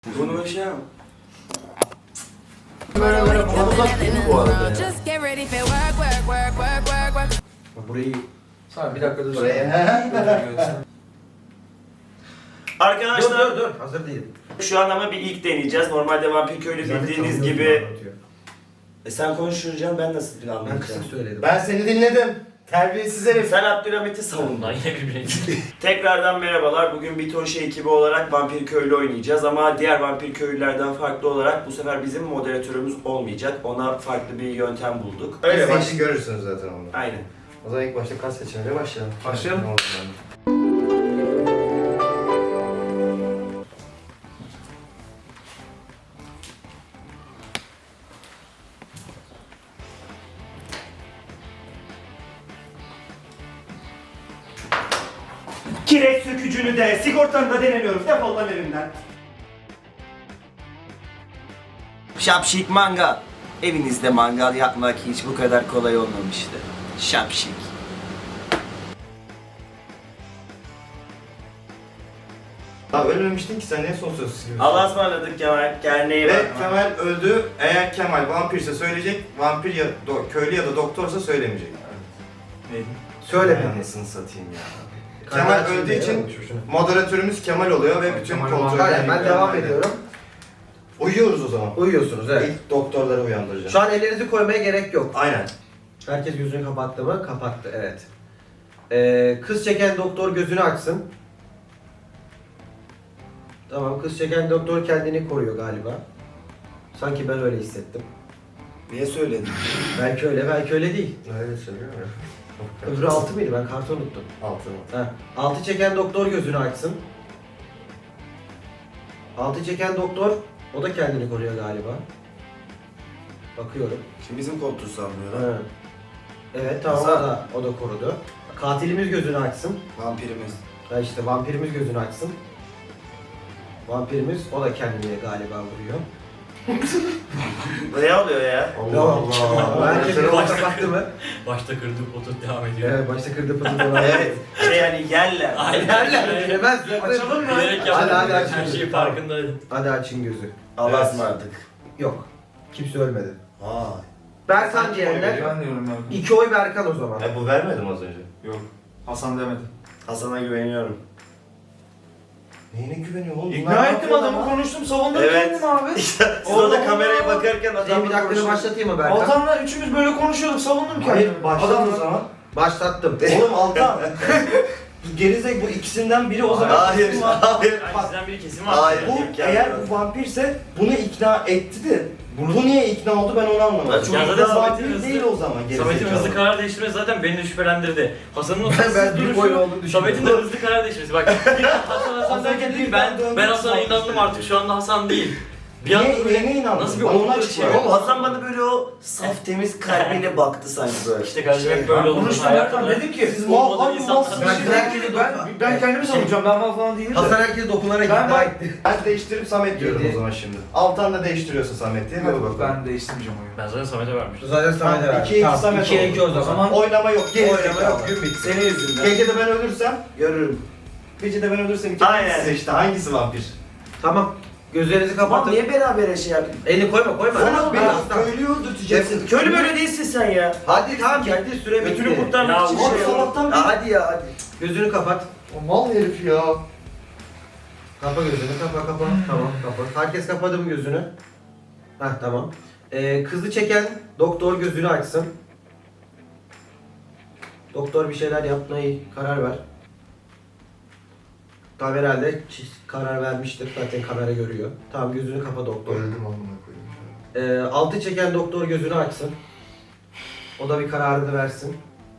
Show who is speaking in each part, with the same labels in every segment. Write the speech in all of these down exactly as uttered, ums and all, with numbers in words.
Speaker 1: Bunu bir şey yap.
Speaker 2: Böyle böyle falan uzak değil bu arada ya.
Speaker 3: Just get ready for work, work, work, work, work, work.
Speaker 2: Burayı
Speaker 4: Sana bir dakika dur.
Speaker 2: buraya.
Speaker 1: Arkadaşlar
Speaker 2: Dur dur dur hazır değilim.
Speaker 1: şu an ama bir ilk deneyeceğiz. Normalde Vampir Köylü bildiğiniz gibi... E sen konuşuracaksın, ben nasıl
Speaker 2: Ben kısa
Speaker 1: anlatacağım?
Speaker 2: söyledim.
Speaker 5: Ben seni dinledim. Terbiyesiz herif.
Speaker 1: Sen Abdülhamit'i savun.
Speaker 4: Lan yine birbirine
Speaker 1: Tekrardan merhabalar. Bugün Bitonşe ekibi olarak Vampir Köylü oynayacağız ama diğer Vampir Köylülerden farklı olarak bu sefer bizim moderatörümüz olmayacak. Ona farklı bir yöntem bulduk.
Speaker 5: Öyle
Speaker 1: baş-
Speaker 5: başta görürsünüz zaten onu.
Speaker 1: Aynen.
Speaker 5: O zaman ilk başta kas seçimiyle başlayalım.
Speaker 4: Başlayalım.
Speaker 5: Ne oldu yani?
Speaker 1: Kireç sökücünü de, sigortanı da denemiyoruz. Defol lan evimden. Şapşik mangal. Evinizde mangal yapmak hiç bu kadar kolay olmamıştı. Şapşik.
Speaker 5: Daha ölmemiştin ki sen niye son söz gibi?
Speaker 1: Allah'a ısmarladık Kemal. Kendine iyi
Speaker 5: Ve
Speaker 1: bak.
Speaker 5: Kemal öldü. Eğer Kemal vampirse söyleyecek, vampir ya do- köylü ya da doktorsa söylemeyecek.
Speaker 4: Neydi?
Speaker 5: Söyleme anasını satayım ya. Kemal öldüğü için moderatörümüz Kemal oluyor ve bütün
Speaker 4: Kemal
Speaker 5: kontrolleri...
Speaker 2: Hayır ben devam ediyorum.
Speaker 5: Uyuyoruz o zaman.
Speaker 2: Uyuyorsunuz evet.
Speaker 5: İlk doktorları uyandıracağım.
Speaker 2: Şu an ellerinizi koymaya gerek yok.
Speaker 5: Aynen.
Speaker 2: Herkes gözünü kapattı mı? Kapattı evet. Ee, kız çeken doktor gözünü açsın. Tamam kız çeken doktor kendini koruyor galiba. Sanki ben öyle hissettim.
Speaker 1: Niye söyledin?
Speaker 2: Belki öyle belki öyle değil.
Speaker 5: Öyle söylüyor ya.
Speaker 2: Öbürü altı mıydı? Ben kartı unuttum.
Speaker 5: Altın.
Speaker 2: Ha. Altı çeken doktor gözünü açsın. Altı çeken doktor, o da kendini koruyor galiba. Bakıyorum.
Speaker 1: Şimdi bizim koltuğu sallıyor
Speaker 2: Ha. Evet tamam o
Speaker 1: Hasan.
Speaker 2: da, o da korudu. Katilimiz gözünü açsın.
Speaker 1: Vampirimiz.
Speaker 2: Ha işte vampirimiz gözünü açsın. Vampirimiz, o da kendini galiba vuruyor.
Speaker 1: Ne oluyor ya?
Speaker 5: Allah Allah.
Speaker 2: Herkes bir kapattı mı?
Speaker 4: Başta kırdık otur devam ediyor.
Speaker 2: Evet başta kırdı pıtı dolan.
Speaker 1: Evet. Şey yani yerler.
Speaker 4: Aynen.
Speaker 2: Yerler yemez.
Speaker 4: Açalım mı? Bilerek
Speaker 2: Hadi,
Speaker 4: yapmadım.
Speaker 2: hadi, aç
Speaker 4: Her
Speaker 2: gözü.
Speaker 4: şeyin farkındaydım.
Speaker 2: Hadi açın gözü.
Speaker 1: Allah'a ısmarladık.
Speaker 2: Yok. Kimse ölmedi.
Speaker 1: Vay.
Speaker 2: Berkan diyenler,
Speaker 6: Ben diyorum ya.
Speaker 2: iki oy Berkan o zaman.
Speaker 5: E bu vermedim az önce.
Speaker 6: Yok. Hasan demedi.
Speaker 1: Hasan'a güveniyorum.
Speaker 5: Neyine güveniyor oğlum?
Speaker 6: İkna
Speaker 5: Bunlar
Speaker 6: ettim
Speaker 5: ne
Speaker 6: adamı,
Speaker 5: yapıyor lan?
Speaker 6: konuştum, savundum
Speaker 1: Evet.
Speaker 6: kendimi abi.
Speaker 1: Siz orada kameraya bakarken
Speaker 2: Senin
Speaker 1: adamla
Speaker 2: bir dakikanı
Speaker 1: konuşuyor.
Speaker 2: başlatayım mı Berkan?
Speaker 6: Altan'la üçümüz böyle konuşuyorduk, savundum kendimi.
Speaker 5: Hayır başlat
Speaker 6: Adamla-
Speaker 5: o zaman.
Speaker 2: Başlattım.
Speaker 5: Oğlum Altan. Gerizek bu ikisinden biri o zaman.
Speaker 1: Hayır,
Speaker 5: kesin var.
Speaker 1: hayır.
Speaker 5: Bak,
Speaker 4: Sizden biri kesin var.
Speaker 1: Hayır.
Speaker 5: bu
Speaker 1: imkanı
Speaker 5: eğer
Speaker 1: yok.
Speaker 5: bu vampirse bunu ikna etti de bunu bu niye ikna oldu ben onu anlamadım.
Speaker 1: Ben çok
Speaker 4: Ya
Speaker 5: Bu
Speaker 4: zaten
Speaker 5: da
Speaker 4: Samet'in
Speaker 5: vampir
Speaker 4: hızlı-
Speaker 5: değil o zaman gerizekalı.
Speaker 4: Samet'in hızlı karar değiştirmesi zaten beni de şüphelendirdi. Hasan'ın o
Speaker 2: Ben-
Speaker 4: sessiz
Speaker 2: ben bir
Speaker 4: duruşu,
Speaker 2: boy olduğunu
Speaker 4: Samet'in de
Speaker 2: düşünüyorum.
Speaker 4: hızlı karar değiştirmesi. Bak bir Hasan Hasan derken dedi ki ben, ben Hasan'a inandım artık şu anda Hasan değil. Bir anda
Speaker 5: Niye,
Speaker 4: böyle
Speaker 5: neyine inandın?
Speaker 4: nasıl bir
Speaker 5: Bana onu
Speaker 4: olumlu
Speaker 5: açıkla.
Speaker 4: şey var.
Speaker 1: Oğlum Hasan bana böyle o saf temiz kalbiyle baktı sanki böyle.
Speaker 4: İşte kardeşim hep
Speaker 1: Şey,
Speaker 4: böyle
Speaker 6: Ben
Speaker 4: oldu.
Speaker 6: konuştum
Speaker 4: Hayatta
Speaker 6: Berkan,
Speaker 4: da-
Speaker 6: dedim ki
Speaker 5: Siz
Speaker 4: olmadığı
Speaker 5: mal, hangi
Speaker 4: insanlar-
Speaker 5: malsınız?
Speaker 6: ben,
Speaker 2: Ben-
Speaker 6: kendimi, ben, ben kendimi savunacağım, ben mal falan değilim de.
Speaker 2: Hasan herkesi dokunarak
Speaker 6: Ben-
Speaker 2: ikna
Speaker 6: ben-
Speaker 2: etti.
Speaker 5: Ben değiştirip Samet diyorum
Speaker 2: Yedi.
Speaker 5: o zaman şimdi. Altan da değiştiriyorsa Samet diye. Hadi
Speaker 6: Yok,
Speaker 5: bakalım.
Speaker 6: ben değiştirmeyeceğim oyunu.
Speaker 4: Ben zaten Samet'e vermiştim.
Speaker 2: Zaten Samet'e
Speaker 5: Tamam,
Speaker 2: verdi.
Speaker 5: ikiye iki
Speaker 2: Tamam,
Speaker 5: Samet
Speaker 2: ikiye
Speaker 5: oldu.
Speaker 2: iki o
Speaker 6: O
Speaker 2: zaman.
Speaker 6: zaman
Speaker 5: Oynama yok.
Speaker 2: Oynama yok.
Speaker 5: Gün bitti.
Speaker 1: Senin yüzünden.
Speaker 5: Gece de ben ölürsem,
Speaker 1: Görürüm.
Speaker 5: gece de ben ölürsem iki
Speaker 1: Aynen.
Speaker 5: size işte hangisi vampir?
Speaker 2: Tamam. Gözlerinizi
Speaker 1: Tamam
Speaker 2: kapatın.
Speaker 1: niye beraber şey yapayım?
Speaker 2: Elini koyma koyma.
Speaker 5: Oğlum
Speaker 2: Ben
Speaker 5: biraz
Speaker 2: aslan.
Speaker 5: köylüyü öldürteceksin.
Speaker 1: Köylü böyle değilsin sen ya.
Speaker 2: Hadi tamam geldi süre bitti.
Speaker 1: Götünü kurtarmak
Speaker 4: Ya
Speaker 1: için
Speaker 5: Oğlum
Speaker 1: şey
Speaker 5: sabahtan
Speaker 2: Ya
Speaker 5: beri...
Speaker 2: hadi ya hadi. Gözünü kapat.
Speaker 5: O mal herif ya.
Speaker 2: Kapa gözünü kapa kapa. Tamam kapa. Herkes kapadı mı gözünü? Heh tamam. Ee, kızı çeken doktor gözünü açsın. Doktor bir şeyler yapmayı karar ver. Tam herhalde çi- karar vermiştir. Zaten kamera görüyor. Tamam gözünü kapa doktor.
Speaker 5: Öldüm amına koyayım.
Speaker 2: Ee, altı çeken doktor gözünü açsın. O da bir kararını versin.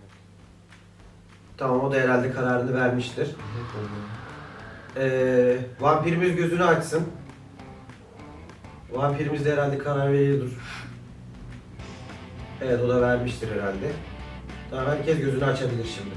Speaker 2: Tamam o da herhalde kararını vermiştir. Ee, vampirimiz gözünü açsın. Vampirimiz de herhalde karar veriyordur. Evet o da vermiştir herhalde. Tamam herkes gözünü açabilir şimdi.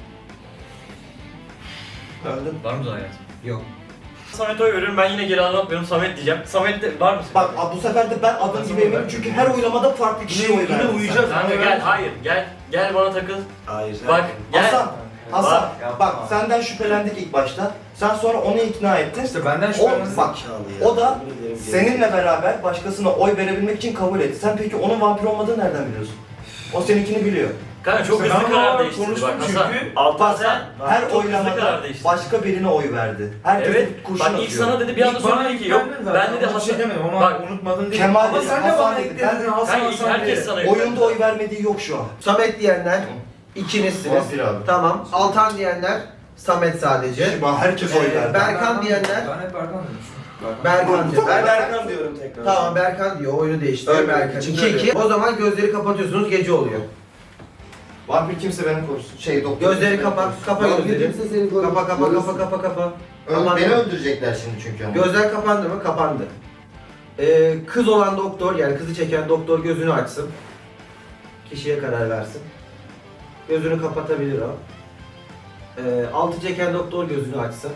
Speaker 5: Öldüm.
Speaker 4: Var mı hayat?
Speaker 2: Yok.
Speaker 4: Samet'e oy veriyorum, ben yine geri anlatmıyorum, Samet diyeceğim. Samet de var mısın?
Speaker 5: Bak bu sefer de ben adım gibi eminim çünkü her oylamada farklı kişiye oy
Speaker 6: Yine
Speaker 5: verdim.
Speaker 6: uyuyacağız.
Speaker 4: Kanka gel, hayır, gel, gel bana takıl.
Speaker 1: Hayır.
Speaker 4: Bak, gel.
Speaker 5: Hasan, Hasan
Speaker 6: Ya
Speaker 5: bak
Speaker 6: bak.
Speaker 5: senden şüphelendik ilk başta. Sen sonra onu ikna ettin.
Speaker 6: İşte benden
Speaker 5: O
Speaker 6: şüphelendim.
Speaker 5: bak o da seninle beraber başkasına oy verebilmek için kabul etti. Sen peki onun vampir olmadığını nereden biliyorsun? O seninkini biliyor.
Speaker 4: Kanka çok
Speaker 6: İşte
Speaker 4: hızlı
Speaker 6: ben
Speaker 4: karar
Speaker 6: onlarla
Speaker 4: değiştirdi
Speaker 6: konuştum
Speaker 4: bak Hasan.
Speaker 6: çünkü.
Speaker 1: Altan
Speaker 5: Bak
Speaker 1: sen
Speaker 5: her
Speaker 4: çok hızlı
Speaker 5: oylamada
Speaker 4: karar değiştirdi.
Speaker 5: başka birine oy verdi. Herkes
Speaker 4: Evet.
Speaker 5: kurşun
Speaker 4: Bak
Speaker 5: atıyor.
Speaker 4: ilk sana dedi bir anda
Speaker 6: İlk bana
Speaker 4: sonra dedi ki yok.
Speaker 6: ilk
Speaker 4: Ben
Speaker 6: zaten.
Speaker 4: dedi
Speaker 6: Ona bir şey
Speaker 4: Hasan.
Speaker 6: demedim ama
Speaker 4: Bak
Speaker 6: unutmadın değil.
Speaker 5: Kemal
Speaker 6: Ama
Speaker 5: dedi,
Speaker 6: sen de
Speaker 5: Hasan
Speaker 6: bana
Speaker 5: dedi.
Speaker 6: ekledin
Speaker 5: Ben-
Speaker 6: Hasan
Speaker 4: Kanka ilk
Speaker 6: Hasan
Speaker 4: herkes
Speaker 6: diye.
Speaker 4: sana
Speaker 5: Oyunda oy vermediği yok şu an.
Speaker 2: Samet diyenler ikinizsiniz.
Speaker 5: Vampir abi.
Speaker 2: Tamam. Altan diyenler Samet sadece.
Speaker 5: Şimdi herkes oy
Speaker 2: Ee,
Speaker 5: verdi.
Speaker 2: Berkan diyenler
Speaker 6: Ben hep Berkan demiştim.
Speaker 2: Berkan diyor.
Speaker 1: ben
Speaker 2: Ben
Speaker 1: Berkan diyorum tekrar.
Speaker 2: Tamam Berkan diyor. Oyunu değiştiriyor.
Speaker 1: Ölmemek
Speaker 2: Berkan.
Speaker 1: için
Speaker 2: iki iki.
Speaker 1: öyle.
Speaker 2: O zaman gözleri kapatıyorsunuz. Gece oluyor.
Speaker 5: Vampir kimse beni korusun. Şey doktor.
Speaker 2: Gözleri
Speaker 5: kimse
Speaker 2: kapa.
Speaker 5: beni
Speaker 2: Kapa
Speaker 5: korusun.
Speaker 2: gözleri.
Speaker 5: Kimse seni korusun.
Speaker 2: Kapa kapa kapa kapa kapa.
Speaker 5: Öl-
Speaker 2: Kapandı.
Speaker 5: Beni öldürecekler şimdi çünkü ama.
Speaker 2: Gözler kapandı mı? Kapandı. Ee, kız olan doktor yani kızı çeken doktor gözünü açsın. Kişiye karar versin. Gözünü kapatabilir o. Ee, altı çeken doktor gözünü açsın.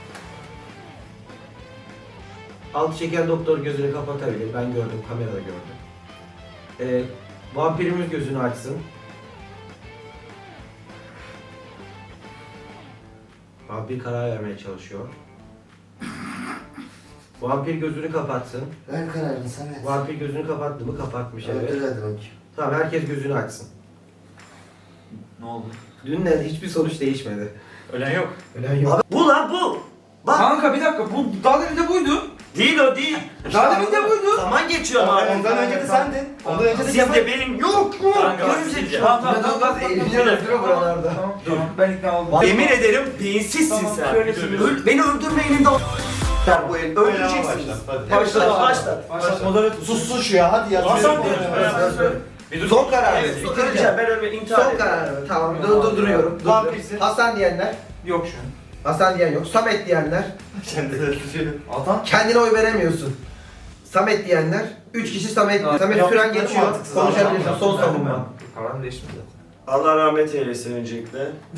Speaker 2: Altı çeken doktor gözünü kapatabilir. Ben gördüm, kamerada gördüm. Ee, vampirimiz gözünü açsın. Vampir karar vermeye çalışıyor. Vampir gözünü kapatsın.
Speaker 5: Ver kararını Samet.
Speaker 2: Vampir gözünü kapattı mı? Kapatmış evet.
Speaker 5: Öldür hadi bakayım.
Speaker 2: Tamam herkes gözünü açsın.
Speaker 6: Ne oldu?
Speaker 2: Dünden hiçbir sonuç değişmedi.
Speaker 4: Ölen yok.
Speaker 2: Ölen yok.
Speaker 1: Bu lan bu. Bak
Speaker 6: Kanka bir dakika bu daha demin de buydu.
Speaker 1: değil o değil.
Speaker 6: Daha demin de buydu.
Speaker 1: Zaman geçiyor ama.
Speaker 5: Ama ondan önce de sendin. Ondan önce de
Speaker 1: Siz
Speaker 5: Kemal.
Speaker 1: de benim yok mu?
Speaker 4: Kanka bak
Speaker 1: Gerizekalı.
Speaker 4: sizce.
Speaker 6: Tamam tamam
Speaker 2: İnanılmaz
Speaker 6: tamam.
Speaker 2: eğleniyor öldürüyor buralarda.
Speaker 6: Tamam tamam ben ikna oldum.
Speaker 1: Yemin ederim beyinsizsin
Speaker 6: Tamam,
Speaker 1: sen.
Speaker 6: şöylesiniz.
Speaker 1: Öl- beni öldürme elinde o.
Speaker 5: Sen bu el
Speaker 1: Öldüreceksiniz.
Speaker 5: başlat, hadi.
Speaker 1: Başlat başlat.
Speaker 6: Başlat moderatör.
Speaker 5: Sus şu ya hadi ya.
Speaker 1: Hasan
Speaker 5: Söyle.
Speaker 1: diyoruz,
Speaker 5: Evet,
Speaker 1: beraber
Speaker 5: evet.
Speaker 1: söyle.
Speaker 4: Bir dur.
Speaker 2: Son karar.
Speaker 1: Evet, öleceğim ben ölme intihar
Speaker 2: Son
Speaker 1: edeceğim.
Speaker 2: kararı. Tamam dur dur duruyorum. Dur,
Speaker 5: Vampirsin.
Speaker 2: dur. Hasan diyenler.
Speaker 6: Yok şu an.
Speaker 2: Hasan diyen yok. Samet diyenler.
Speaker 5: Kendi de söyle.
Speaker 6: Altan.
Speaker 2: Kendine oy veremiyorsun. Samet diyenler. Üç kişi Samet.
Speaker 6: Tamam.
Speaker 2: Samet
Speaker 5: Yaptıkları
Speaker 2: süren geçiyor.
Speaker 5: mantıksız
Speaker 2: Konuşabilirsin.
Speaker 5: adam.
Speaker 2: Son savunma.
Speaker 6: Kararım değişmedi.
Speaker 1: Allah rahmet eylesin öncelikle.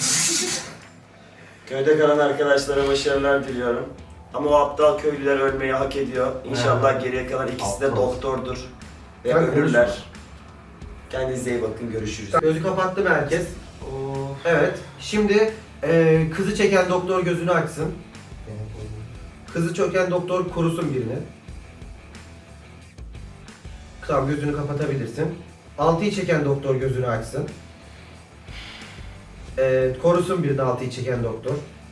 Speaker 1: Köyde kalan arkadaşlara başarılar diliyorum. Ama o aptal köylüler ölmeyi hak ediyor. İnşallah geriye kalan ikisi de
Speaker 5: Aptal.
Speaker 1: doktordur. Ve
Speaker 2: Ben
Speaker 1: ölürler. Kendinize iyi bakın, görüşürüz.
Speaker 2: Gözü kapattı mı herkes?
Speaker 6: Of.
Speaker 2: Evet. Şimdi e, kızı çeken doktor gözünü açsın. Kızı çöken doktor korusun birini. Tamam gözünü kapatabilirsin. Altıyı çeken doktor gözünü açsın. Ee, korusun birini altıyı çeken doktor.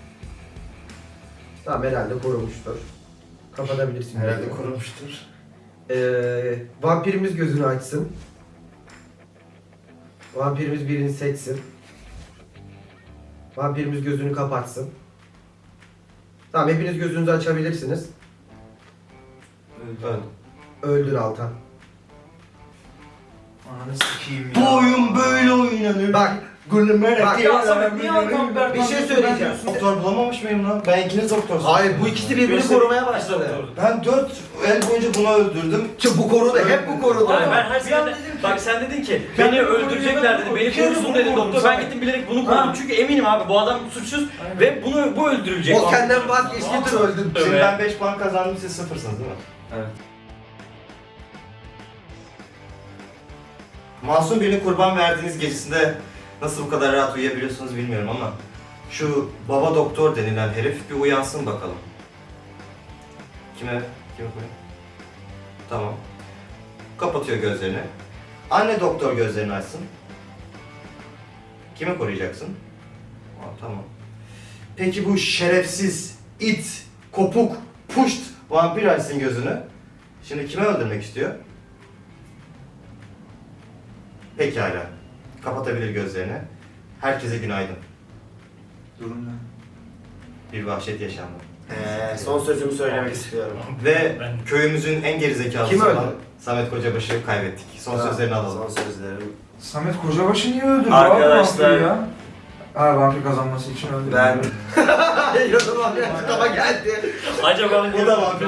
Speaker 2: Tamam herhalde korumuştur. Kapatabilirsin.
Speaker 5: Herhalde
Speaker 2: gözünü.
Speaker 5: korumuştur.
Speaker 2: Ee, vampirimiz gözünü açsın. Vampirimiz birini seçsin. Vampirimiz gözünü kapatsın. Tamam hepiniz gözünüzü açabilirsiniz.
Speaker 5: Öldü.
Speaker 2: Öldür Altan.
Speaker 6: Ananı sikeyim ya.
Speaker 5: Bu oyun böyle oynanır.
Speaker 2: Bak,
Speaker 5: Gülümerek.
Speaker 2: bak.
Speaker 6: Ya Samet niye Altan Berkan
Speaker 2: Bir şey
Speaker 6: diyorsun,
Speaker 2: söyleyeceğim.
Speaker 6: ben diyorsun?
Speaker 5: Doktor bulamamış mıyım lan? Ben ikiniz doktorsunuz.
Speaker 2: Hayır bu ikisi birbirini korumaya başladı.
Speaker 5: Ben dört el boyunca bunu öldürdüm.
Speaker 2: Ki bu korudu, hep bu korudu.
Speaker 4: Yani ben her
Speaker 6: Bir an
Speaker 4: seferinde,
Speaker 6: dedim ki-
Speaker 4: bak sen dedin ki
Speaker 6: Ben
Speaker 4: beni
Speaker 6: bunu
Speaker 4: öldürecekler dedi,
Speaker 6: koruyacağım,
Speaker 4: beni
Speaker 6: bir kere
Speaker 4: korusun
Speaker 6: bunu
Speaker 4: dedi
Speaker 6: korudum
Speaker 4: doktor. Ben
Speaker 6: sana.
Speaker 4: gittim bilerek bunu korudum
Speaker 6: Ha.
Speaker 4: çünkü eminim abi bu adam suçsuz ve bunu bu öldürülecek.
Speaker 2: O senden vazgeçti öldün.
Speaker 5: Şimdi
Speaker 4: Evet.
Speaker 5: ben beş puan kazandım, siz sıfırsınız değil mi?
Speaker 6: Evet.
Speaker 5: Masum birini kurban verdiğiniz gecesinde nasıl bu kadar rahat uyuyabiliyorsunuz bilmiyorum ama şu baba doktor denilen herif bir uyansın bakalım. Kime? Kime koyayım? Tamam. Kapatıyor gözlerini. Anne doktor gözlerini açsın. Kimi koruyacaksın? Aa, tamam. Peki bu şerefsiz, it, kopuk, puşt vampir açsın gözünü. Şimdi kime öldürmek istiyor? Pekala. Kapatabilir gözlerini. Herkese günaydın.
Speaker 6: Durum ne?
Speaker 5: Bir vahşet yaşandı.
Speaker 1: Ee, son sözümü söylemek istiyorum.
Speaker 5: Ve köyümüzün en gerizekalısı
Speaker 2: Kim öldü?
Speaker 5: olan Samet Kocabaş'ı kaybettik. Son
Speaker 1: Ha,
Speaker 5: sözlerini alalım.
Speaker 1: Son sözlerim.
Speaker 6: Samet Kocabaşı niye öldürdü
Speaker 1: Arkadaşlar-
Speaker 6: abi vampiri ya? Ha vampir kazanması için öldürdü.
Speaker 1: Ben
Speaker 2: Yazılan bir açıklama geldi.
Speaker 4: Acaba
Speaker 5: Bu da vampir.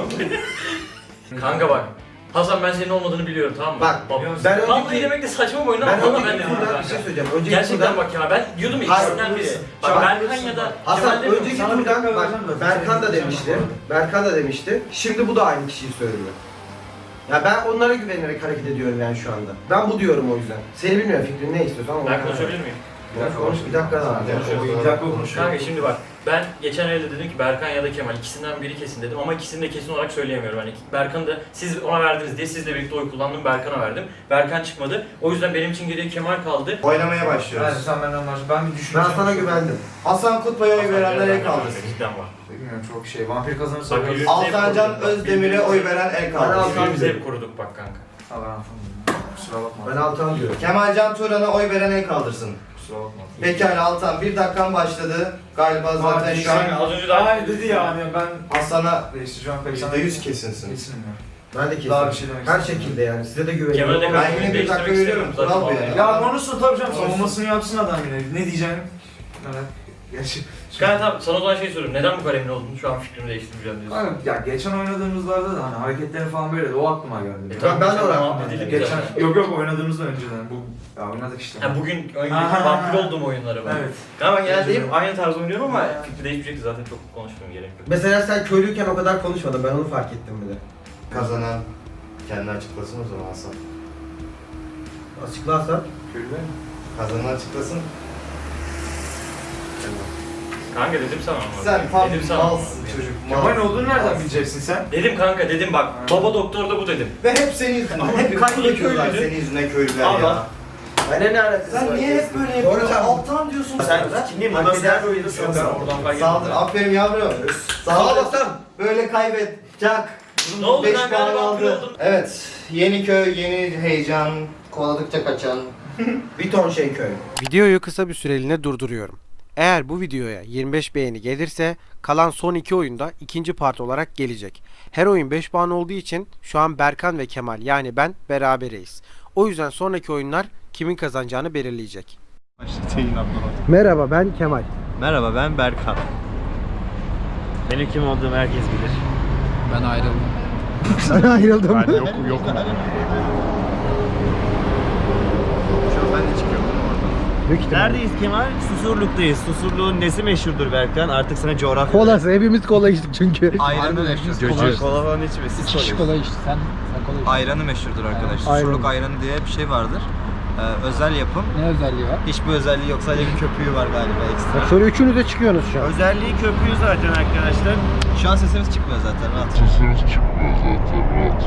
Speaker 4: Kanka bak. Hasan ben senin olmadığını biliyorum tamam mı?
Speaker 2: Bak,
Speaker 4: Bak,
Speaker 2: ben
Speaker 4: vallahi
Speaker 2: önceki-
Speaker 4: demek de saçma bir oyun
Speaker 2: Ben
Speaker 4: ama valla ben
Speaker 2: önceki
Speaker 4: de
Speaker 2: turda
Speaker 4: dedim
Speaker 2: bir şey
Speaker 4: kanka.
Speaker 2: söyleyeceğim. Önceki
Speaker 4: Gerçekten
Speaker 2: turda
Speaker 4: bak ya ben diyordum
Speaker 2: Hayır,
Speaker 4: ikisinden biri.
Speaker 2: Bak,
Speaker 4: Bak Berkan ya da
Speaker 2: Hasan
Speaker 4: Kemal demiyorum.
Speaker 2: önceki
Speaker 6: Sana bir
Speaker 2: turdan
Speaker 6: dakika
Speaker 2: bak
Speaker 6: vereceğim de.
Speaker 2: Berkan da
Speaker 6: Senin
Speaker 2: demişti.
Speaker 6: diyeceğim
Speaker 2: Berkan da demişti. Şimdi bu da aynı kişiyi söylüyor. Ya ben onlara güvenerek hareket ediyorum yani şu anda. Ben bu diyorum o yüzden. Seni bilmiyorum fikrin ne istiyorsan ama.
Speaker 4: Ben konuşabilir miyim?
Speaker 6: Bir dakika
Speaker 2: Konuş, bir dakika daha.
Speaker 6: Bir dakika konuşuyor.
Speaker 4: Kanka şimdi bak, ben geçen elde dedim ki Berkan ya da Kemal ikisinden biri kesin dedim ama ikisini de kesin olarak söyleyemiyorum. Hani Berkan'ı da siz ona verdiniz diye sizle birlikte oy kullandım, Berkan'a verdim. Berkan çıkmadı. O yüzden benim için geriye Kemal kaldı.
Speaker 5: Oynamaya
Speaker 6: Yani
Speaker 5: başlıyoruz.
Speaker 6: sen benden başla. Ben bir
Speaker 2: Ben
Speaker 6: düşüneceğim.
Speaker 2: sana güvendim.
Speaker 5: Hasan Kutbay'a oy verenler el kaldırsın.
Speaker 4: Cidden var.
Speaker 6: Bilmiyorum çok şey. Vampir kazanırsa
Speaker 4: Bak,
Speaker 6: biraz...
Speaker 4: yürü.
Speaker 5: Altancan Özdemir'e oy veren el
Speaker 2: Ben
Speaker 5: kaldırsın.
Speaker 2: Altan
Speaker 4: Birbirimizi
Speaker 2: diyorum.
Speaker 4: hep koruduk bak kanka.
Speaker 6: Ha ben anlamadım. Kusura bakma.
Speaker 2: Ben Altan diyorum.
Speaker 5: Kemalcan Turan'a oy veren el kaldırsın.
Speaker 6: Kusura bakma.
Speaker 5: Pekala Altan, bir dakikan başladı. Galiba zaten
Speaker 6: Hadi
Speaker 5: şu an
Speaker 4: Az önce daha
Speaker 6: Hayır dedi yani ben
Speaker 5: Hasan'a
Speaker 6: değiştireceğim pek
Speaker 5: yüzde yüz kesinsin.
Speaker 6: Kesinim ya.
Speaker 2: Ben de kesin.
Speaker 6: Daha bir şey demek
Speaker 2: Her
Speaker 6: istemiyorum.
Speaker 2: şekilde yani. Size de
Speaker 4: Kemal'e
Speaker 2: güveniyorum.
Speaker 4: de
Speaker 2: ama-
Speaker 5: Ben yine bir dakika veriyorum, kural bu yani.
Speaker 6: Ya konuşsun tabii canım.
Speaker 5: Konuşsun.
Speaker 6: Savunmasını yapsın adam yine. Ne diyeceğim? Evet. Gerçi...
Speaker 4: Kanka tamam, sana o zaman şey soruyorum. Neden bu kadar emin oldun? Şu an fikrimi değiştirmeyeceğim diyorsun.
Speaker 6: Kanka ya geçen oynadığımızlarda da hani hareketlerin falan böyle o aklıma geldi.
Speaker 4: E,
Speaker 2: tamam, ben de
Speaker 4: geçen
Speaker 2: oraya
Speaker 4: muhabbet
Speaker 2: aklıma
Speaker 4: edelim
Speaker 6: Geçen
Speaker 4: zaten.
Speaker 6: yok yok oynadığımızda önceden bu ya oynadık işte.
Speaker 4: Ha, bugün
Speaker 6: Aha.
Speaker 4: oynadığım vampir olduğum oyunları var.
Speaker 6: Evet.
Speaker 4: Ya ben genelde hep
Speaker 6: Evet.
Speaker 4: aynı tarz oynuyorum ama fikri değişmeyecekti zaten, çok konuşmam gerek yok.
Speaker 2: Mesela sen köylüyken o kadar konuşmadın. Ben onu fark ettim bile.
Speaker 5: Kazanan kendi açıklasın o zaman Hasan.
Speaker 2: Açıklarsan.
Speaker 6: Köylü.
Speaker 5: Kazanan açıklasın.
Speaker 4: Kanka dedim sana ama.
Speaker 5: Sen tam
Speaker 4: dedim sana.
Speaker 5: malsın çocuk.
Speaker 6: Kemal
Speaker 5: malsın,
Speaker 6: olduğunu nereden
Speaker 5: malsın.
Speaker 6: bileceksin sen?
Speaker 4: Dedim kanka, dedim bak.
Speaker 6: Ha.
Speaker 4: Baba doktor da bu dedim.
Speaker 5: Ve hep senin yüzünden. Hep kaybediyorlar
Speaker 4: köylüydü.
Speaker 5: senin yüzünden köylüler
Speaker 4: Ama-
Speaker 5: ya.
Speaker 2: Ben ne alakası
Speaker 5: Sen
Speaker 2: var?
Speaker 5: niye hep böyle
Speaker 2: Doğru
Speaker 5: yapıyorsun?
Speaker 2: sen.
Speaker 5: Alttan diyorsun
Speaker 1: Sen
Speaker 5: sen.
Speaker 1: kimliğin babası her oyunda
Speaker 4: Yok
Speaker 1: sen
Speaker 4: ben
Speaker 1: sal.
Speaker 4: oradan fark
Speaker 5: Saldır.
Speaker 4: ettim.
Speaker 5: Aferin yavrum.
Speaker 2: Sağ
Speaker 5: Saldır.
Speaker 2: olasın.
Speaker 5: Böyle kaybet. Çak.
Speaker 4: Ne oldu
Speaker 5: Beş
Speaker 4: ben
Speaker 5: puan
Speaker 4: galiba vampir
Speaker 5: aldı.
Speaker 4: oldum.
Speaker 5: Evet. Yeni köy, yeni heyecan. Kovaladıkça kaçan.
Speaker 2: Bir ton şey köy.
Speaker 7: Videoyu kısa bir süreliğine durduruyorum. Eğer bu videoya yirmi beş beğeni gelirse kalan son iki oyunda ikinci part olarak gelecek. Her oyun beş puan olduğu için şu an Berkan ve Kemal yani ben berabereyiz. O yüzden sonraki oyunlar kimin kazanacağını belirleyecek. Merhaba, ben Kemal.
Speaker 8: Merhaba, ben Berkan. Benim kim olduğumu herkes bilir.
Speaker 3: Ben ayrıldım.
Speaker 2: Sen ayrıldın mı?
Speaker 8: Ben yok yokum. Şu an ben de çıkıyorum oradan. Neredeyiz Kemal? Susurluk'tayız. Susurluğun nesi meşhurdur Berkan? Artık sana coğrafya...
Speaker 2: Kolası, hepimiz kola içtik çünkü.
Speaker 8: Ayranı meşhur. Coca kola falan içme, siz kola için.
Speaker 3: Kola içti sen. Sen kola içti.
Speaker 9: Ayranı meşhurdur arkadaşlar.
Speaker 2: Ayran.
Speaker 9: Susurluk ayranı diye bir şey vardır. Ee, özel yapım.
Speaker 3: Ne özelliği var?
Speaker 9: Hiçbir özelliği yok. Sadece bir köpüğü var galiba ekstra.
Speaker 2: Sonra üçünüz de çıkıyorsunuz şu an.
Speaker 8: Özelliği köpüğü zaten arkadaşlar.
Speaker 9: Şu an sesimiz çıkmıyor zaten. Rahat.